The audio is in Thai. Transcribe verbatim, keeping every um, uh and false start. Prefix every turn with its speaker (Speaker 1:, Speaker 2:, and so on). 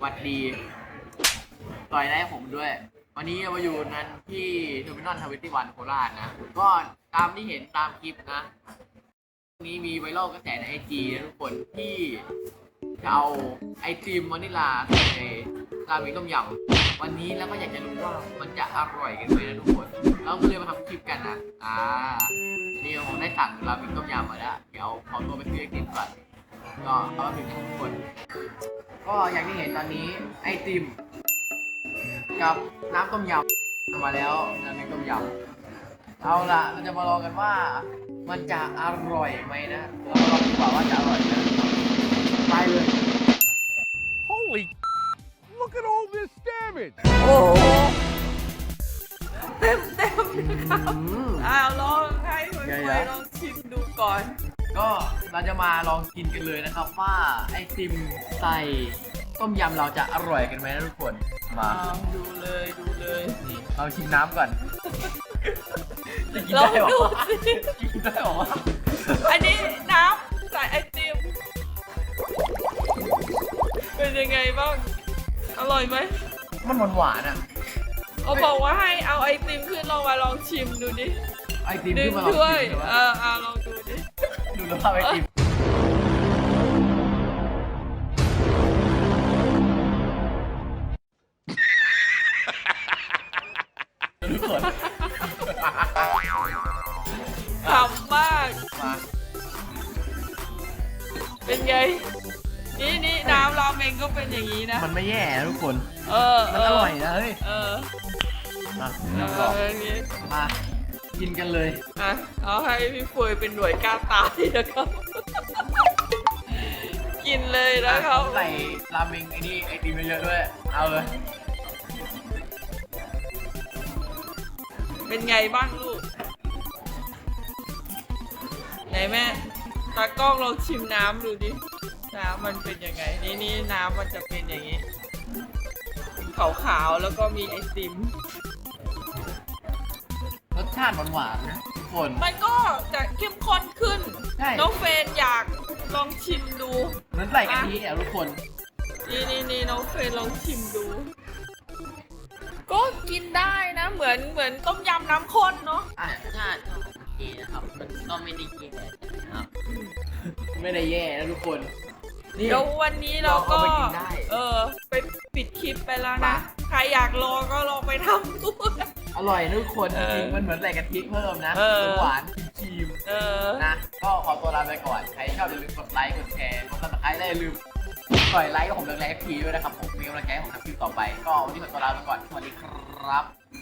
Speaker 1: วัสดีต่อยได้ผมด้วยวันนี้เรามาอยู่นั้นที่เทอร์มินอลทเวนตี้วันโคราชนะก็ตามที่เห็นตามคลิปนะนี้มีไวรัลกระแสในไอจีทุกคนที่จะเอาไอติมวานิลาใส่ในราเมงต้มยำวันนี้แล้วก็อยากจะรู้ว่ามันจะอร่อยกันไหมนะทุกคนเราก็เลยมาทำคลิปกันนะอ่านี่ผมได้สั่งราเมงต้มยำมาแล้วเดี๋ยวขอตัวไปซื้อไอติมก่อนก็เอามาถึงทุกคนก็อย่างที่เห็นตอนนี้ไอติมกับน้ำต้มยำมาแล้วน้ำต้มยำเอาละเราจะมาลองกันว่ามันจะอร่อยไหมนะเรามาลองดีกว่าว่าจะอร่อยไหมไปเลย
Speaker 2: Holy look at all this damage
Speaker 3: โอ้โหเต็มเต็มนะครับอ้าวลองให้เพื่อนๆลองชิมดูก่อน
Speaker 1: ก็เราจะมาลองกินกันเลยนะครับว่าไอติมใส่ต้มยำเราจะอร่อยกันไหมนะทุกคนมา
Speaker 3: ดูเลยดูเลย
Speaker 1: นี่เราชิมน้ำก่อนจะกิน
Speaker 3: ลอ
Speaker 1: ได้
Speaker 3: ง
Speaker 1: หร
Speaker 3: ดู
Speaker 1: อ
Speaker 3: สิ
Speaker 1: กินได้หรอ
Speaker 3: อันนี้น้ำใส่ไอติมเป็นยังไงบ้างอร่อยไหม
Speaker 1: มันหวานหวานอ่ะ
Speaker 3: เขาบอกว่าให้เอาไอติมขึ้นลองมาลองชิมดูดิ
Speaker 1: ไอติม
Speaker 3: ดึ
Speaker 1: ขึ้
Speaker 3: ง
Speaker 1: นมาลอง
Speaker 3: ถ้วย
Speaker 1: ชิม
Speaker 3: เออเอาลองดูดิ
Speaker 1: ดูแล้วภาพไอติมทุกคน
Speaker 3: ขำมาก
Speaker 1: มา
Speaker 3: เป็นไงนี่นี่น้ำราเมงก็เป็นอย่างนี้นะ
Speaker 1: มันไม่แย่นะทุกคน
Speaker 3: เออ
Speaker 1: มันอร่อยนะเฮ้ย
Speaker 3: เออ
Speaker 1: มา
Speaker 3: เอออย่างนี้
Speaker 1: มากินกันเลย
Speaker 3: อ่ะเอาให้พี่เฟยเป็นหน่วยกล้าตายนะครับ กินเลยนะครับ
Speaker 1: ใส่ราเมงไอ้นี่ไอติมเยอะๆด้วยเอาเลย
Speaker 3: เป็นไงบ้างลูกไหนแม่ตากล้องลองชิมน้ำดูดิน้ำมันเป็นยังไงนี่นี่น้ำมันจะเป็นอย่างนี้ขาวๆแล้วก็มีไอติม
Speaker 1: รสชาติหวานๆนะทุกคน
Speaker 3: มันก็จะเข้มข้นขึ้นน้องเฟนอยากลองชิมดู
Speaker 1: เหมือนใส่กะทิอ่ะทุกคน
Speaker 3: นี่นี่นี่น้องเฟนลองชิมดูก็กินได้นะเหมือนเหมือนต้มยำน้ำข้นเนาะ
Speaker 1: อ่ะ
Speaker 4: ชาติก็โอเคนะครับมันก็ไม่ได้แย่นะครับ
Speaker 1: ไม่ได้แย่นะทุกคน
Speaker 3: เดี๋ยววันนี้เราก็เออไปปิดคลิปไปแล้วนะใครอยากลองก็ลองไปทำดู
Speaker 1: อร่อยนะทุกคนจริงมันเหมือนใส่กะทิเพิ่มนะหวานครีมนะก็ขอตัวลาไปก่อนใครชอบอย่าลืมกดไลค์กดแชร์กดซับสไครต์และอย่าลืมกดไลค์กับผมเรื่องไลค์พีด้วยนะครับผมมีกำลังใจให้ผมทำคลิปต่อไปก็วันนี้ขอตัวลาไปก่อนสวัสดีครับ